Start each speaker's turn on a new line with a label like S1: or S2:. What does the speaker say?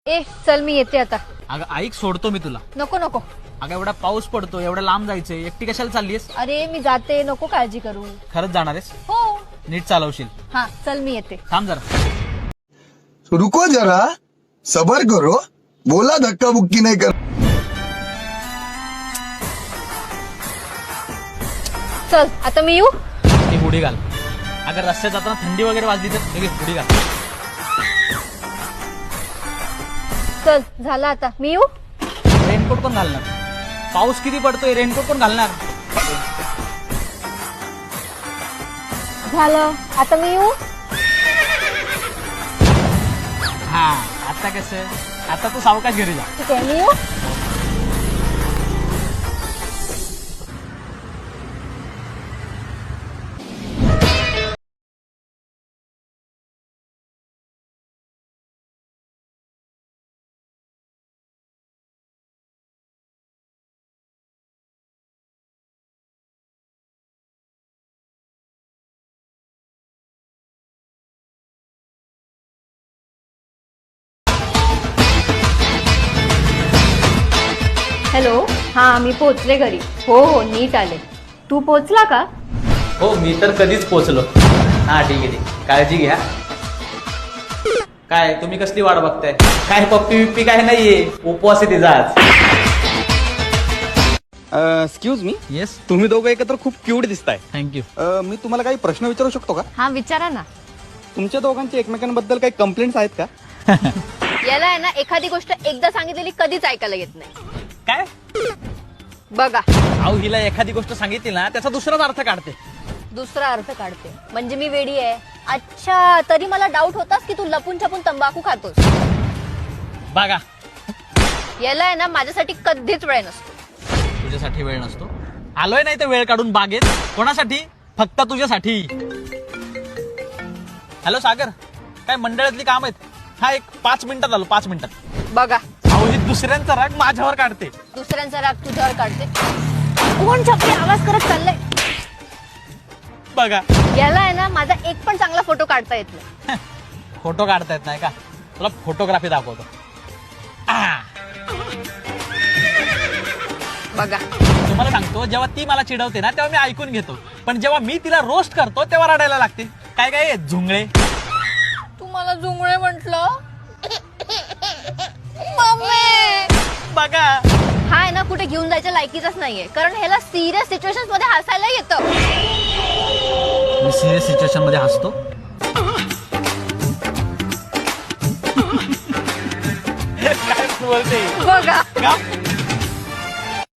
S1: ए चल मी येते आता.
S2: अगं ऐक, सोडतो मी तुला.
S1: नको नको.
S2: अगं एवढा पाऊस पडतो, एवढा लांब जायचंय, एकटी कशाला चाललीस?
S1: अरे मी जाते, नको काळजी करू.
S2: खरंच जाणार आहेस?
S1: हो.
S2: नीट चालवशील.
S1: हा चल मी येते.
S2: थांब जरा.
S3: रुको जरा, सबर करो, बोला धक्का बुक्की नहीं कर.
S1: चल आता मी येऊ.
S2: ती हुडी घाल. अगर रस्त्यात जाताना थंडी वगैरे वाजली तर लगेच हुडी घाल.
S1: चल झालं आता मी येऊ.
S2: रेनकोट पण घालणार. पाऊस किती पडतोय, रेनकोट पण घालणार.
S1: झालं आता मी येऊ.
S2: हा आता कसं, आता तू सावकाश घरी जा.
S1: ठीक आहे मी येऊ. हॅलो. हा मी पोहोचले घरी. हो हो नीट आले. तू पोहोचला का?
S2: हो मी तर कधीच पोहोचलो. हा ठीक आहे, काळजी घ्या. काय तुम्ही कसली वाट बघताय? काय पप्पी बिप्पी काय नाहीये, उपवास आहे तिचा आज.
S4: एक्सक्यूज मी,
S2: येस,
S4: तुम्ही दोघं एकत्र खूप क्यूट दिसताय.
S2: थँक्यू.
S4: मी तुम्हाला काही प्रश्न विचारू शकतो का?
S1: हा विचारा ना.
S4: तुमच्या दोघांची एकमेकांबद्दल काही कंप्लेंट्स आहेत का?
S1: याला आहे ना एखादी गोष्ट एकदा सांगितलेली कधीच ऐकायला येत नाही.
S2: काय?
S1: बघा
S2: अहो हिला एखादी गोष्ट सांगितली ना त्याचा दुसराच अर्थ काढते.
S1: दुसरा अर्थ काढते म्हणजे मी वेडी आहे. अच्छा तरी मला डाऊट होतास की तू लपून छपून तंबाखू खातोस.
S2: बघा
S1: याला आहे ना माझ्यासाठी कधीच वेळ नसतो.
S2: तुझ्यासाठी वेळ नसतो. आलोय नाही तर वेळ काढून बागेत. कोणासाठी? फक्त तुझ्यासाठी. हॅलो सागर, काय मंडळातली काम आहेत? हा एक 5 मिनिटात आलो, 5 मिनिटात.
S1: बघा
S2: अहो ही दुसऱ्यांचा राग माझ्यावर काढते.
S1: दुसऱ्यांचा राग तुझ्यावर काढते. कोण छपरी आवाज करत चाललंय?
S2: बघा
S1: याला आहे ना माझा एक पण चांगला फोटो काढता येत नाही.
S2: फोटो काढता येत नाही का? तुला फोटोग्राफी दाखवतो.
S1: बघा
S2: तुम्हाला सांगतो, जेव्हा ती मला चिडवते ना तेव्हा मी ऐकून घेतो, पण जेव्हा मी तिला रोस्ट करतो तेव्हा रडायला लागते. काय काय झुंगळे.
S1: तू मला जुंगळे म्हंटल. मम्मी
S2: बघा
S1: हा आहे ना कुठे घेऊन जायच्या लायकीचाच नाहीये, कारण ह्याला सिरियस सिच्युएशन मध्ये हसायला येतं.
S2: मी सिरियस सिच्युएशन मध्ये हसतो. काय बोलते?
S1: बघा
S2: का?